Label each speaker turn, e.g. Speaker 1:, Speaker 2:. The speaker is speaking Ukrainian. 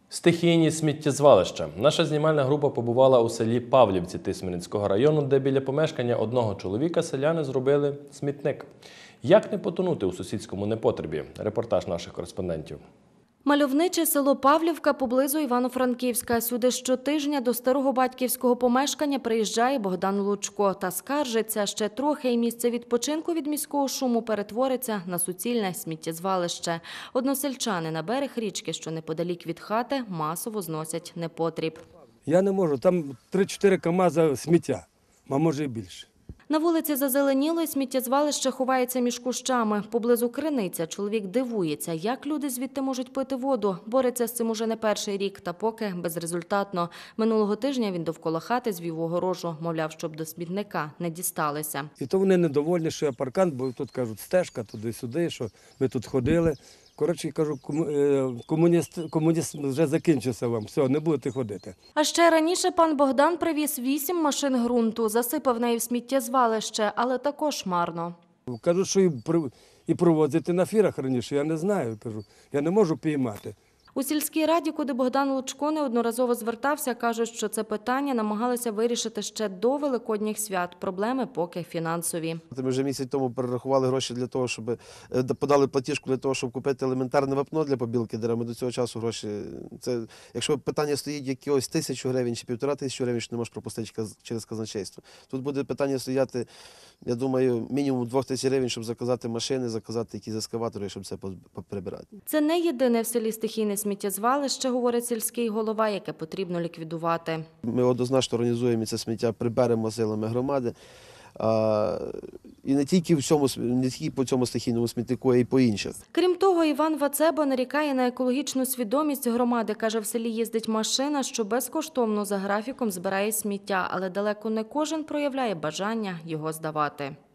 Speaker 1: Стихійні сміттєзвалища. Наша знімальна група побувала у селі Павлівці Тисменницького району, де біля помешкання одного чоловіка селяни зробили смітник. Як не потонути у сусідському непотребі? Репортаж наших кореспондентів.
Speaker 2: Мальовниче село Павлівка поблизу Івано-Франківська. Сюди щотижня до старого батьківського помешкання приїжджає Богдан Лучко та скаржиться, ще трохи і місце відпочинку від міського шуму перетвориться на суцільне сміттєзвалище. Односельчани на берег річки, що неподалік від хати, масово зносять непотріб.
Speaker 3: Я не можу, там 3-4 КАМАЗа сміття, а може і більше.
Speaker 2: На вулиці зазеленіло, і сміттєзвалище ховається між кущами. Поблизу криниця чоловік дивується, як люди звідти можуть пити воду. Бореться з цим уже не перший рік, та поки безрезультатно. Минулого тижня він довкола хати звів огорожу, мовляв, щоб до смітника не дісталися.
Speaker 3: І то вони недовольні, що я паркан, бо тут кажуть стежка туди-сюди, що ми тут ходили. Коротше, кажу, комунізм вже закінчився вам, все, не будете ходити.
Speaker 2: А ще раніше пан Богдан привіз 8 машин ґрунту, засипав неї в сміттєзвалище, але також марно.
Speaker 3: Кажуть, що і провозити на фірах раніше, я не знаю, кажу, я не можу піймати.
Speaker 2: У сільській раді, куди Богдан Лучко неодноразово звертався, кажуть, що це питання намагалися вирішити ще до Великодніх свят. Проблеми поки фінансові.
Speaker 4: Ми вже місяць тому перерахували гроші для того, щоб подали платіжку для того, щоб купити елементарне вапно для побілки дерев. Ми до цього часу гроші. Це якщо питання стоїть якихось 1000 гривень чи 1500 гривень, що не можеш пропустити через казначейство. Тут буде питання стояти, я думаю, мінімум 2000 гривень, щоб заказати машини, заказати якісь ескаватори, щоб це прибирати.
Speaker 2: Це не єдине в селі стихійне сміттєзвалище, говорить сільський голова, яке потрібно ліквідувати.
Speaker 4: Ми однозначно організуємо це сміття, приберемо силами громади. І не тільки по цьому стихійному смітнику, а й по інших.
Speaker 2: Крім того, Іван Вацебо нарікає на екологічну свідомість громади. Каже, в селі їздить машина, що безкоштовно за графіком збирає сміття, але далеко не кожен проявляє бажання його здавати.